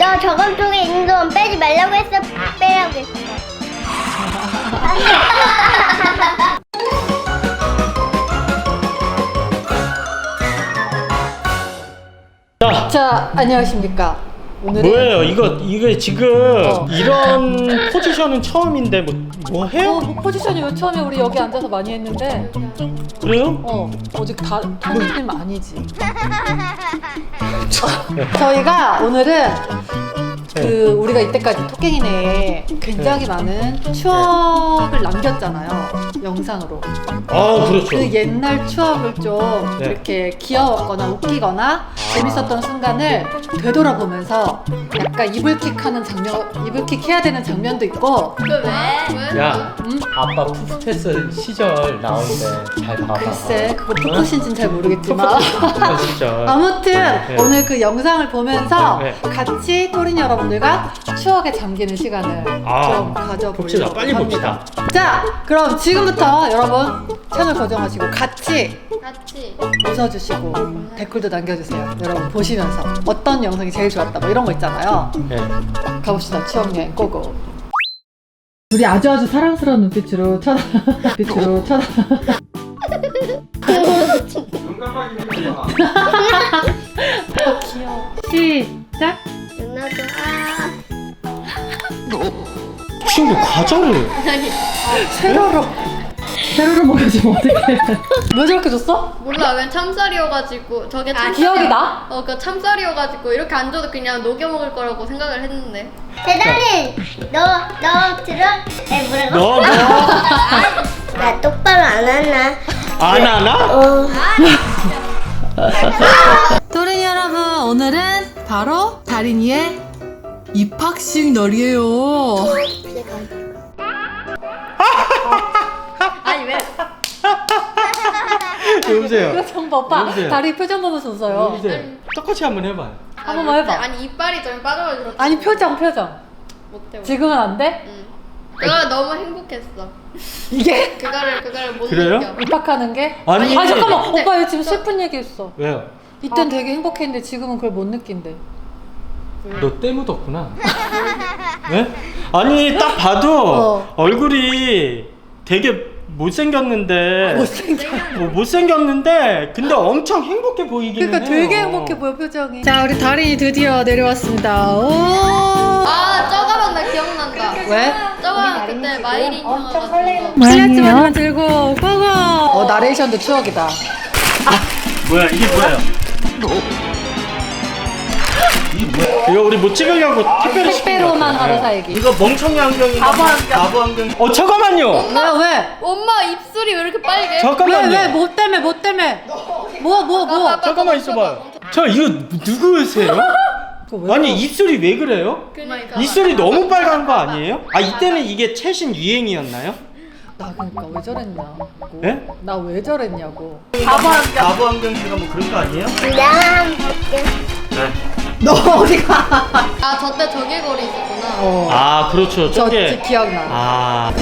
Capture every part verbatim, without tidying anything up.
너 저건 쪽에 있는 돈 빼지 말라고 했어. 빼라고 했어. 자, 자, 안녕하십니까. 오늘은 뭐예요? 이거 이게 지금 어. 이런 포지션은 처음인데 뭐, 뭐 해요? 어, 뭐 포지션이 왜 처음에 우리 여기 앉아서 많이 했는데 그래요? 어, 오직 다 토끼님 아니지. 저희가 오늘은 그 우리가 이때까지 토깽이네에 굉장히 많은 추억을 남겼잖아요. 영상으로. 아 그렇죠. 그 옛날 추억을 좀 네. 이렇게 귀여웠거나 웃기거나 재밌었던 순간을 되돌아보면서 약간 이불킥하는 장면, 이불킥 해야 되는 장면도 있고. 그 왜? 왜? 야, 음? 아빠 푸푸테스 시절 나오는데 잘 봐봐. 글쎄, 그거 푸푸신지는 잘 모르겠지만. 푸푸테스 시절. 아무튼 네. 오늘 그 영상을 보면서 네. 같이 토린 여러분들과 추억에 잠기는 시간을 아, 좀 가져보려고 봅시다. 빨리 합니다. 봅시다. 자, 그럼 지금부터 여러분 채널 고정하시고 같이 같이. 웃어주시고 댓글도 남겨주세요. 여러분 보시면서 어떤 영상이 제일 좋았다 뭐 이런 거 있잖아요. 네. 가봅시다. 추억여행 고고. 둘이 아주 아주 사랑스러운 눈빛으로 쳐다 빛으로 쳐다. 귀여워. 시작. 누나도 아. 혹시 뭐 과자를? 세로로 세로로 먹여주면 어떡해. 왜 저렇게 줬어? 몰라, 웬 참쌀이어가지고 저게 참. 기억이 나? 어, 그 참쌀이어가지고 이렇게 안 줘도 그냥 녹여 먹을 거라고 생각을 했는데. 대단히 너너 들어? 에 뭐라고? 너 뭐? 나 똑바로 안 하나? 안 하나? 어. 토린 여러분, 오늘은 바로 다린이의 입학식 날이에요. 아니 왜? 여보세요. 표정 봐봐. 여보세요. 다리 표정 보면서 웃어요. 여보세요. 똑같이 한번 해봐요. 한 번만 해봐. 아니 이빨이 좀 빠져가지고. 아니 표정 표정. 못해. 지금은 안 돼? 응. 그거 너무 행복했어. 이게? 그거를 그거를 못 그래요? 느껴. 입학하는 게? 아니. 아 잠깐만. 근데- 오빠 이거 지금 슬픈 얘기했어. 왜요? 이땐 되게 행복했는데 지금은 그걸 못 느낀대. 너 때 묻었구나. 네? 아니 딱 봐도 어. 얼굴이 되게 못생겼는데 못생겨. 뭐 못생겼는데 근데 엄청 행복해 보이기는 그러니까 해요. 되게 행복해 보여 표정이. 자 우리 다린이 드디어 내려왔습니다. 오. 아 저거만 나 기억난다. 왜? 저거 그때 마이린 형아가지고. 플래츠만 들고 고고. 어 나레이션도 추억이다. 뭐야 이게 뭐예요? 이게 뭐야? 이거 우리 뭐 찍으려고 택배로 시킨 것 택배로만 같아. 하루 네. 살기. 이거 멍청이 안경인가? 바보 안경. 바보 안경. 어 잠깐만요. 왜 왜? 엄마 입술이 왜 이렇게 빨개? 잠깐만요. 왜 왜? 뭐 때문에 뭐 때문에? 뭐 뭐 뭐? 아빠, 잠깐만 있어봐요. 저 이거 누구세요? 그거 왜 아니 그러- 입술이 왜 그래요? 그러니까. 입술이 너무 빨간 거 아니에요? 아 이때는 이게 최신 유행이었나요? 나 그러니까 왜 저랬냐고. 예? 나 왜 저랬냐고. 바보 안경씨가 뭐 그런 거 아니에요? 내가 한번 볼게. 네. 너 어디가? 아 저때 저기 거리 있었구나. 어. 아 그렇죠. 저 저게 기억나. 아.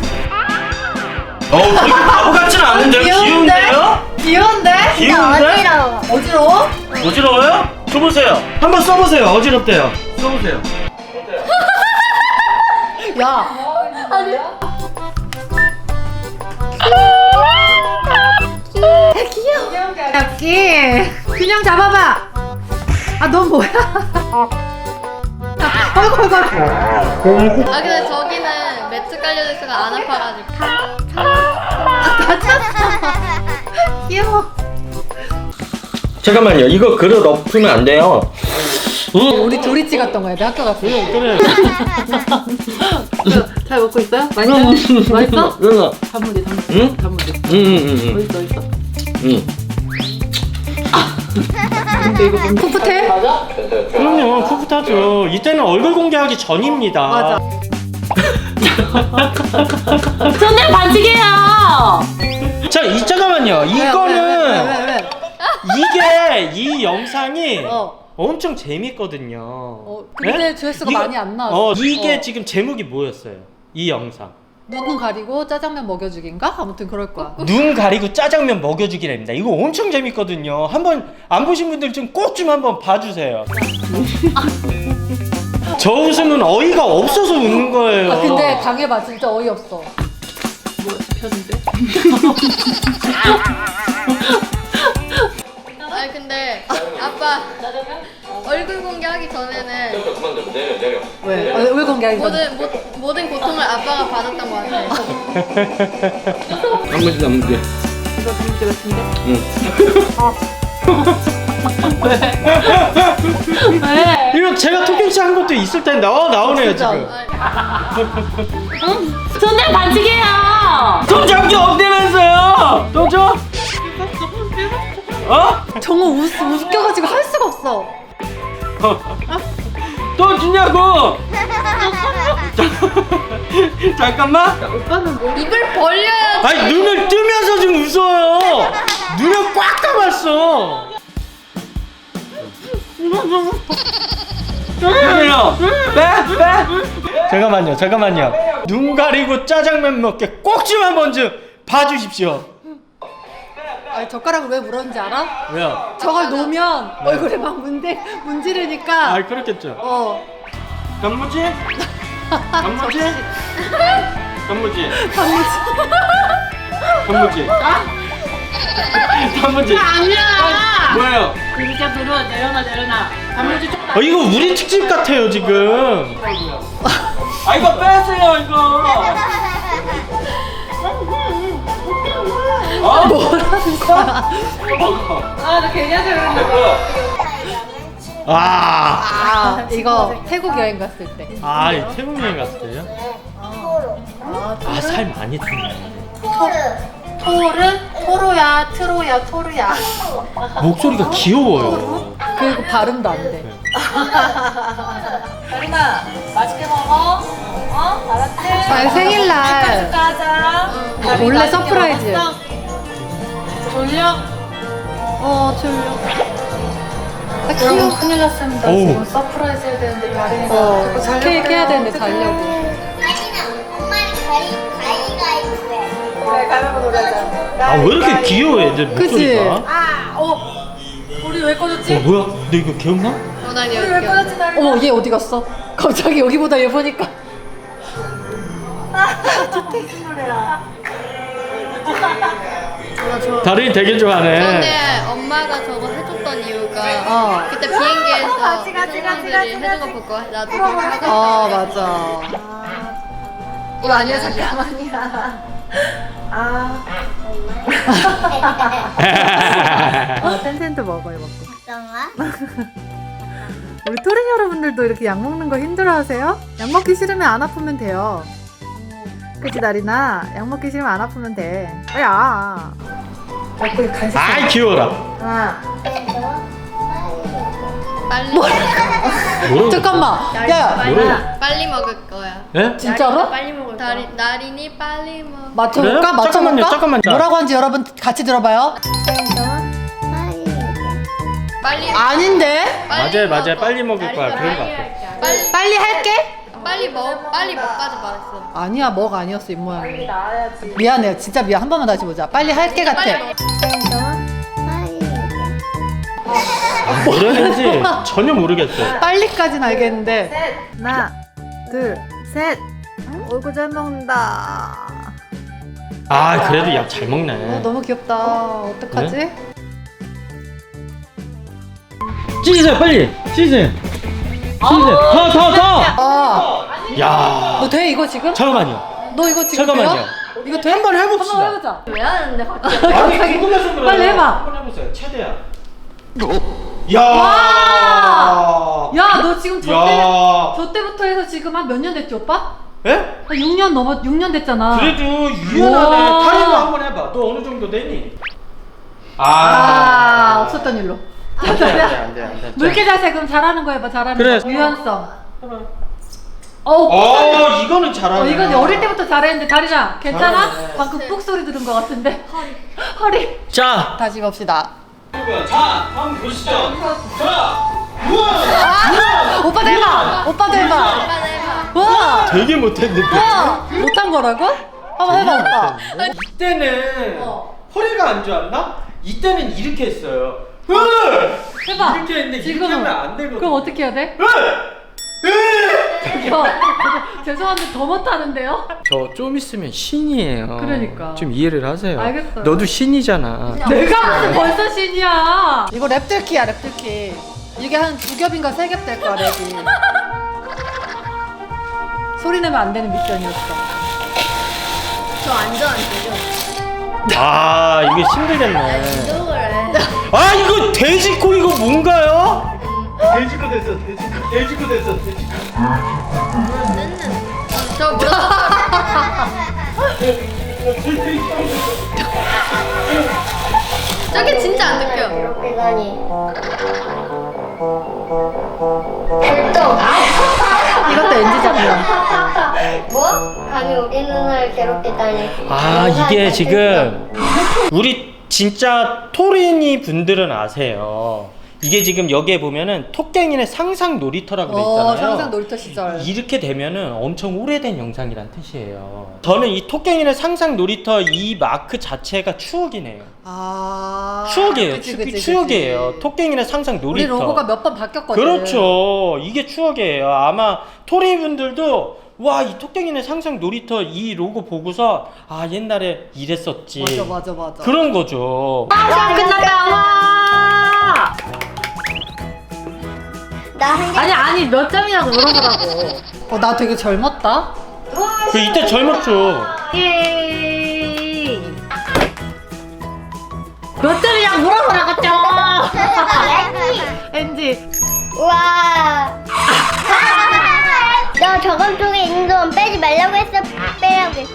어 이거 바보 같지는 않은데요? 귀여운데요? 귀여운데? 귀여운데? 어지러워. 어지러워? 어지러워요? 줘보세요. 한번 써보세요. 어지럽대요. 써보세요. 야. 아니. 귀여워. 귀여워. 균형 잡아봐. 아, 넌 뭐야? 아이고, 아이고, 아이고. 아 근데 저기는 매트 깔려져 있어서 안 아파가지고. 귀여워. 잠깐만요. 이거 그릇 엎으면 안 돼요. 응? 우리 둘이 찍었던 거야, 내 학교 갔을 때. 그래. 잘 먹고 있어요? 맛있어? 맛있어? 응아. 단무지, 단무지. 응? 단무지. 응응응. 어딨어, 어딨어. 응. 근데 이거 좀 풋풋해? 그럼요. 풋풋하죠. 이때는 얼굴 공개하기 전입니다. 맞아. 저는 반칙이에요. 자, 이 잠깐만요. 왜, 이거는 왜, 왜, 왜, 왜? 이게 이 영상이 어. 엄청 재밌거든요. 어, 근데 조회수가 이거- 많이 안 나왔어. 어, 이게 어. 지금 제목이 뭐였어요? 이 영상. 눈 가리고 짜장면 먹여주기인가? 아무튼 그럴 거야. 눈 가리고 짜장면 먹여주기랍니다. 이거 엄청 재밌거든요. 한번 안 보신 분들 좀 꼭 좀 한번 봐주세요. 저 웃음은 어이가 없어서 웃는 거예요. 아 근데 당해봐 진짜 어이없어. 아니 근데 아빠 얼굴 공개하기 전에는 왜? 어, 왜 공개하기 전에? 모든 모, 모든 고통을 아빠가 받았던 것 같아. 단무지 단무지. 이거 단무지 같은데? 왜? 이거 제가 토킹씨 한 것도 있을 텐데 어 나오네요 진짜. 지금. 손에 반칙이에요. 돈 잡기 없대면서요. 돈 줘? 어? 정우 웃, 웃겨가지고 할 수가 없어. 돈 주냐고. 잠깐만. 입을 벌려야지. 아니 눈을 뜨면서 지금 웃어요. 눈을 꽉 감았어. 그래요. 빼 빼. 잠깐만요 잠깐만요. 눈 가리고 짜장면 먹게 꼭 좀 한번 좀 봐주십시오. 아니 젓가락을 왜 물었는지 알아? 왜요? 저걸 놓으면 얼굴에 막 문대, 문지르니까 아 그렇겠죠. 어 단무지? 단무지? 단무지? 단무지 단무지? 단무지? 아니야. 뭐예요? 그러니까 들어 내려놔 내려놔. 단무지 좀. 어 이거 우리 특집 같아요 지금. 아 이거 빼세요 이거. 아 뭐라는 거야? 아나 괜히 하자 그랬나 봐. 아, 아 이거 태국 여행 갔을 때 아, 이 태국 여행 갔을 때요? 아, 살 많이 탔네. 토르? 토로야 트로야 토르야 목소리가 귀여워요. 그리고 발음도 안돼 다리나 맛있게 먹어. 어 알았지? 아 생일날 가자. 원래 서프라이즈 졸려? 어 졸려 여러분 큰일 났습니다. 오. 지금 서프라이즈 해야 되는데 다리나 어 자꾸 자려고 케이크 해야 그래요. 되는데 자려고 엄마는 가위 가위가위보 해. 그래 가위바위보 놀라자. 아, 왜 이렇게 귀여워, 애들 그치? 목소리가? 아, 어. 우리 왜 꺼졌지? 어, 뭐야? 너 이거 기억나? 어, 난 우리 왜 여기. 꺼졌지 나? 어머 얘 어디 갔어? 갑자기 여기보다 얘 보니까 다른이 되게 좋아하네. 근데 엄마가 저거 해줬던 이유가 어. 그때 비행기에서 사람들이 해준 거 보고 나도 그거 하고 아 맞아 이거 아니야 잠깐만이야. 아. 어, 텐텐트 먹어요 먹고 어떤가? 우리 토린 여러분들도 이렇게 약 먹는 거 힘들어하세요? 약 먹기 싫으면 안 아프면 돼요. 그치 나리나? 약 먹기 싫으면 안 아프면 돼. 야. 먹고 간식. 아이, 귀여워라. 하나. 빨리 뭐라고? 잠깐만. 야. 뭐라고? 빨리 먹을 거야. 예? 진짜로? 빨리 먹을 거야. 나리, 나린이 빨리 먹. 맞춰볼까? 그래요? 맞춰볼까? 잠깐만요, 잠깐만요. 뭐라고 하는지 여러분 같이 들어봐요. 빨리. 아닌데? 맞아요, 맞아요. 먹어. 빨리 먹을 거야. 나린이가 그런 거 빨리 같아. 할게. 빨리 빨리 할게. 빨리 먹 빨리 먹까지 말했어. 아니야 먹 아니었어 입모양이. 미안해요 진짜 미안 한 번만 다시 보자. 빨리 할게 같아. 빨리 먹. 아, 뭐라는지 전혀 모르겠어요. 빨리까지는 알겠는데. 하나, 둘, 셋. 얼굴 잘 먹는다. 아, 그래도 약 잘 어, 먹네. 너무 귀엽다. 어떡하지? 찢으세요 빨리. 찢으세요. 찢으세요. 더 더 더. 아, 야, 너 돼 이거 지금? 잠깐만요. 너 이거 지금 잠깐만요. 돼요? 이거 돼? 한번 해봅시다. 한번 해보자. 왜 하는데 갑자기? 아니, 궁금해서 그래요. 빨리 해봐. 한번 해보세요. 최대한. 야. 야, 너 지금 저 야. 때, 저 때부터 해서 지금 한 몇 년 됐지, 오빠? 예? 한 육 년 넘어, 육 년 됐잖아. 그래도 유연하네. 와. 타이머 한번 해봐. 너 어느 정도 되니? 아, 없었던 일로. 안 돼, 안 돼, 안 돼, 안 돼. 물개 자세 그럼 잘하는 거 해봐, 잘하는 그래. 거. 유연성. 어, 어, 이거는 잘하네. 어, 이건 어릴 때부터 잘했는데, 다리나, 괜찮아? 잘하네. 방금 뿍 소리 들은 것 같은데. 허리. 허리. 자, 다시 봅시다. 자 한번 보시죠. 자. 우와. 아! 오빠도 해봐! 오빠도 해봐! 와! 되게 못했는데. 와! 못한 거라고? 한번 해봐, 오빠. 이때는 허리가 안 좋았나? 이때는 이렇게 했어요. 으! 해봐. 이렇게 했는데 이렇게 지금은. 하면 안 되거든. 그럼 어떻게 해야 돼? 으! 으! 못해요. 죄송한데 더 못하는데요? 저 좀 있으면 신이에요. 그러니까. 좀 이해를 하세요. 알겠어요. 너도 신이잖아. 내가 무슨 벌써 신이야. 이거 랩들키야 랩들키. 이게 한 두 겹인가 세 겹 될 거야 랩이. 소리 내면 안 되는 미션이었어. 저 완전 안 되죠. 아 이게 힘들겠네. 운동을 해. 아 이거 돼지코 이거 뭔가요? 돼지코 됐어 돼지코 돼지코 됐어 돼지코. 저 무릎 저게 진짜 안 느껴요. 이렇게 가니. 됐어. 이것도 엔지 장면. 뭐? 감히 우리 누나를 괴롭히다니. 아 이게 지금 우리 진짜 토린이 분들은 아세요. 이게 지금 여기에 보면은 토깽이네 상상 놀이터라고 돼 있잖아요. 어, 상상 놀이터 시절. 이렇게 되면은 엄청 오래된 영상이란 뜻이에요. 저는 이 토깽이네 상상 놀이터 이 마크 자체가 추억이네요. 아. 추억이에요. 그치, 추, 그치, 그치. 추억이에요. 토깽이네 상상 우리 놀이터. 로고가 몇 번 바뀌었거든. 그렇죠. 이게 추억이에요. 아마 토리 분들도 와, 이 토깽이네 상상 놀이터 이 로고 보고서 아 옛날에 이랬었지. 맞아 맞아 맞아. 그런 거죠. 와 끝났다. 와. 나한 개. 아니 아니 몇 점이라고 물어보라고. 어 나 되게 젊었다. 그 이때 젊었죠. 예. 몇 점이냐고 물어보라고 좀. 엔지. 우와. 너 저건 쪽에 있는 돈 빼지 말라고 했어. 빼라고 했어.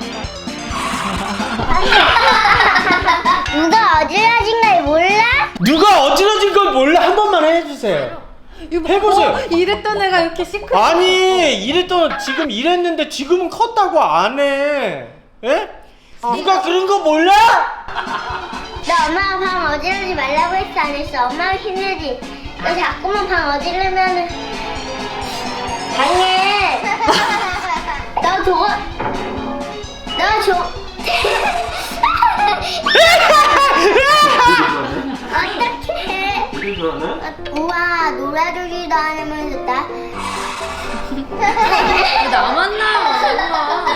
누가 어지러진 걸 몰라? 누가 어지러진 걸 몰라 한 번만 해주세요. 이거 해보세요. 뭐, 이랬던 애가 이렇게 시크해. 아니 이랬던 지금 이랬는데 지금은 컸다고 안 해. 에? 누가 그런 거 몰라? 너 엄마가 방 어지르지 말라고 했어 안 했어? 엄마가 힘들지. 너 자꾸만 방 어지르면은 당해. 너 저거 너 저. 어떡해. 우와 놀아주기도 안 하면 좋다. 나만 나와.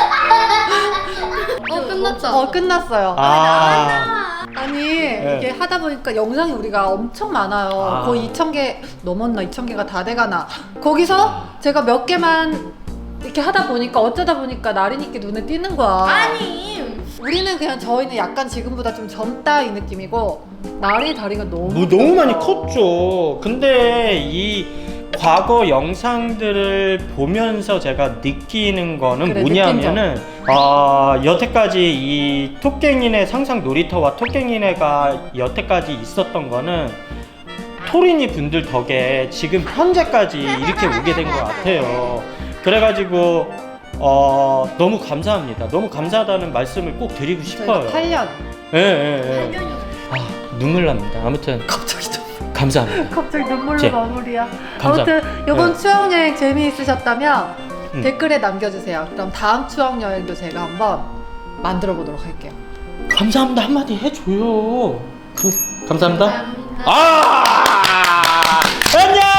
어 끝났다. 어 끝났어요. 아. 아니 네. 이게 하다 보니까 영상이 우리가 엄청 많아요. 아. 거의 이천 개 넘었나 이천 개가 다 돼가나. 거기서 제가 몇 개만 이렇게 하다 보니까 어쩌다 보니까 나린이께 눈에 띄는 거야. 아니. 우리는 그냥 저희는 약간 지금보다 좀 젊다 이 느낌이고 나린이 다리가 너무 뭐 너무 많이 컸죠. 근데 이 과거 영상들을 보면서 제가 느끼는 거는 그래, 뭐냐면은 아 여태까지 이 토깽이네 상상 놀이터와 토깽이네가 여태까지 있었던 거는 토린이 분들 덕에 지금 현재까지 이렇게 오게 된 것 같아요. 그래가지고 어 너무 감사합니다. 너무 감사하다는 말씀을 꼭 드리고 싶어요. 팔 년. 예, 예, 예. 아, 눈물 납니다. 아무튼 갑자기 좀 감사합니다. 갑자기 눈물로 제- 마무리야. 감사합니다. 아무튼 이번 네. 추억 여행 재미있으셨다면 음. 댓글에 남겨주세요. 그럼 다음 추억 여행도 제가 한번 만들어 보도록 할게요. 감사합니다 한마디 해줘요. 감, 감사합니다. 감사합니다. 아 안녕.